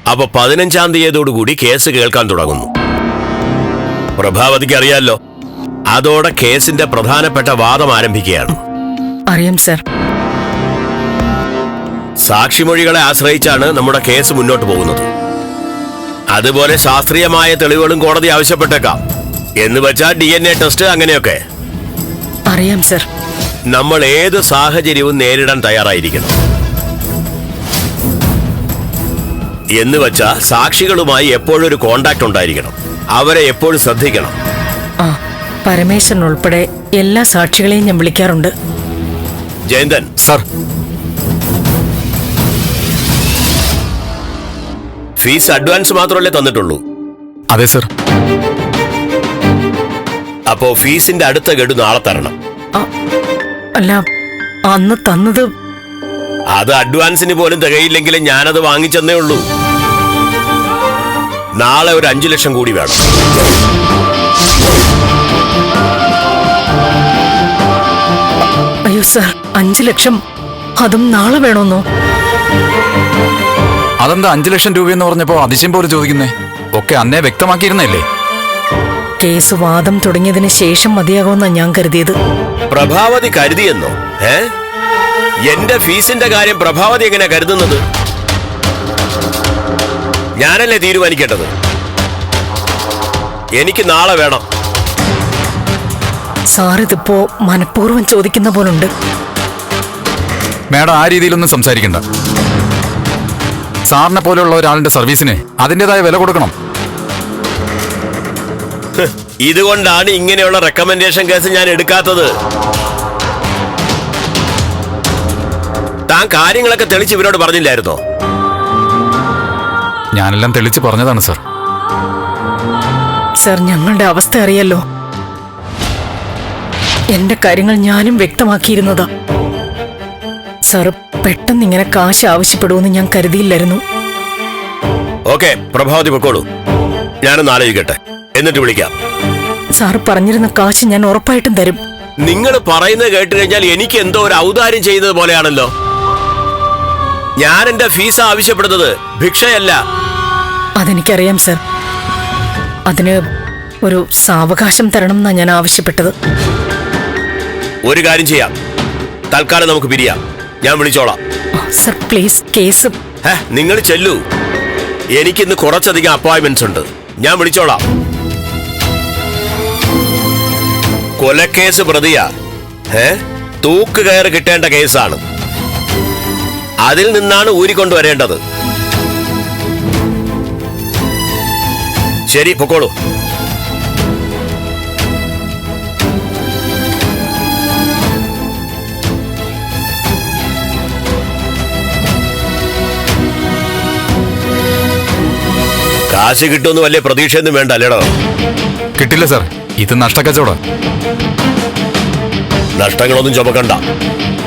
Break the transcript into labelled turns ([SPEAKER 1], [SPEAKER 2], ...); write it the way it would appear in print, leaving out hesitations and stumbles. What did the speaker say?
[SPEAKER 1] അപ്പൊ 15-ാം തീയതിയോടുകൂടി കേസ് കേൾക്കാൻ തുടങ്ങുന്നു. പ്രഭാവതിക്ക് അറിയാലോ, അതോടെ കേസിന്റെ പ്രധാനപ്പെട്ട വാദം ആരംഭിക്കുകയാണ്.
[SPEAKER 2] അറിയാം സർ.
[SPEAKER 1] സാക്ഷിമൊഴികളെ ആശ്രയിച്ചാണ് നമ്മുടെ കേസ് മുന്നോട്ട് പോകുന്നത്. അതുപോലെ ശാസ്ത്രീയമായ തെളിവുകളും കോടതി ആവശ്യപ്പെട്ടേക്കാം. എന്ന് വെച്ചാൽ DNA ടെസ്റ്റ് അങ്ങനെയൊക്കെ.
[SPEAKER 2] അറിയാം സർ.
[SPEAKER 1] നമ്മൾ ഏത് സാഹചര്യവും നേരിടാൻ തയ്യാറായിരിക്കണം. എന്ന് വെച്ചാൽ സാക്ഷികളുമായി എപ്പോഴും ഒരു കോണ്ടാക്ട് ഉണ്ടായിരിക്കണം. അവരെ എപ്പോഴും ശ്രദ്ധിക്കണം.
[SPEAKER 2] ആ, പരമേശ്വരൻ ഉൾപ്പെടെ എല്ലാ സാക്ഷികളെയും ഞാൻ വിളിക്കാറുണ്ട്.
[SPEAKER 1] ജയന്തൻ
[SPEAKER 3] സർ.
[SPEAKER 1] ഫീസ് അഡ്വാൻസ് മാത്രമല്ലേ തന്നിട്ടുള്ളൂ?
[SPEAKER 3] അതെ സർ.
[SPEAKER 1] അപ്പോ ഫീസിന്റെ അടുത്ത ഗഡു നാളെ തരണം.
[SPEAKER 2] അല്ല, അന്ന് തന്നത്
[SPEAKER 1] അത് അഡ്വാൻസിന് പോലും തികയില്ലെങ്കിലും ഞാനത് വാങ്ങിച്ചെന്നേ ഉള്ളൂ. നാളെ ഒരു 5 ലക്ഷം കൂടി വേണം.
[SPEAKER 2] അയ്യോ സർ, 5 ലക്ഷം അതും നാളെ വേണമെന്നോ?
[SPEAKER 3] അതെന്താ 5 ലക്ഷം രൂപയെന്ന് പറഞ്ഞപ്പോ അതിശയം പോലെ ചോദിക്കുന്നേ? ഒക്കെ അന്നേ വ്യക്തമാക്കിയിരുന്നല്ലേ?
[SPEAKER 2] കേസ് വാദം തുടങ്ങിയതിന് ശേഷം മതിയാകുമെന്നാ ഞാൻ കരുതിയത്.
[SPEAKER 1] പ്രഭാവതി കരുതിയെന്നോ? എന്റെ ഫീസിന്റെ കാര്യം പ്രഭാവതി എങ്ങനെ കരുതുന്നത്? ഞാനല്ലേ തീരുമാനിക്കേണ്ടത്. എനിക്ക് നാളെ വേണം.
[SPEAKER 2] സാർ ഇതിപ്പോ മനഃപൂർവ്വം ചോദിക്കുന്ന പോലുണ്ട്.
[SPEAKER 3] മേഡം ആ രീതിയിലൊന്നും സംസാരിക്കണ്ട. സാറിനെ പോലെയുള്ള ഒരാളിന്റെ സർവീസിന് അതിൻ്റെതായ വില കൊടുക്കണം.
[SPEAKER 1] ഇതുകൊണ്ടാണ് ഇങ്ങനെയുള്ള റെക്കമെൻഡേഷൻ കേസ് ഞാൻ എടുക്കാത്തത്. താൻ കാര്യങ്ങളൊക്കെ തെളിച്ച് ഇവരോട് പറഞ്ഞില്ലായിരുന്നോ?
[SPEAKER 3] ഞാനെല്ലാം തെളിച്ച് പറഞ്ഞതാണ് സർ.
[SPEAKER 2] സർ, ഞങ്ങളുടെ അവസ്ഥ അറിയല്ലോ. എന്റെ കാര്യങ്ങൾ ഞാനും വ്യക്തമാക്കിയിരുന്നതാ. സാർ പെട്ടെന്ന് ഇങ്ങനെ കാശ് ആവശ്യപ്പെടുമെന്ന് ഞാൻ കരുതിയില്ലായിരുന്നു.
[SPEAKER 1] ഓക്കെ, പ്രഭാവതി പൊക്കോളൂ. ഞാനൊന്ന് ആലോചിക്കട്ടെ, എന്നിട്ട് വിളിക്കാം.
[SPEAKER 2] സാർ പറഞ്ഞിരുന്ന കാശ് ഞാൻ ഉറപ്പായിട്ടും തരും.
[SPEAKER 1] നിങ്ങൾ പറയുന്നത് കേട്ട് കഴിഞ്ഞാൽ എനിക്ക് എന്തോ ഒരു ഔദാര്യം ചെയ്യുന്നത് പോലെയാണല്ലോ. ഞാൻ എന്റെ ഫീസ് ആവശ്യപ്പെടുന്നത് ഭിക്ഷയല്ല.
[SPEAKER 2] അതെനിക്കറിയാം സർ. അതിന് ഒരു സാവകാശം തരണം എന്നാ ഞാൻ ആവശ്യപ്പെട്ടത്.
[SPEAKER 1] ഒരു കാര്യം ചെയ്യാം, തൽക്കാലം നമുക്ക് പിരിയാം. ഞാൻ വിളിച്ചോളാം.
[SPEAKER 2] Sir please, case.
[SPEAKER 1] നിങ്ങൾ ചെല്ലൂ. എനിക്കിന്ന് കുറച്ചധികം അപ്പോയിന്റ്മെന്റ്സ് ഉണ്ട്. ഞാൻ വിളിച്ചോളാം. കൊലക്കേസ് പ്രതിയാ. തൂക്ക് കയറ് കിട്ടേണ്ട കേസാണ്. അതിൽ നിന്നാണ് ഊരിക്കൊണ്ടുവരേണ്ടത്. ശരി, പൊക്കോളൂ. കാശ് കിട്ടുമെന്ന് വലിയ പ്രതീക്ഷയൊന്നും വേണ്ട അല്ലേടോ?
[SPEAKER 3] കിട്ടില്ല സർ, ഇത് നഷ്ടക്കച്ചവടം.
[SPEAKER 1] നഷ്ടങ്ങളൊന്നും ചുമക്കണ്ട.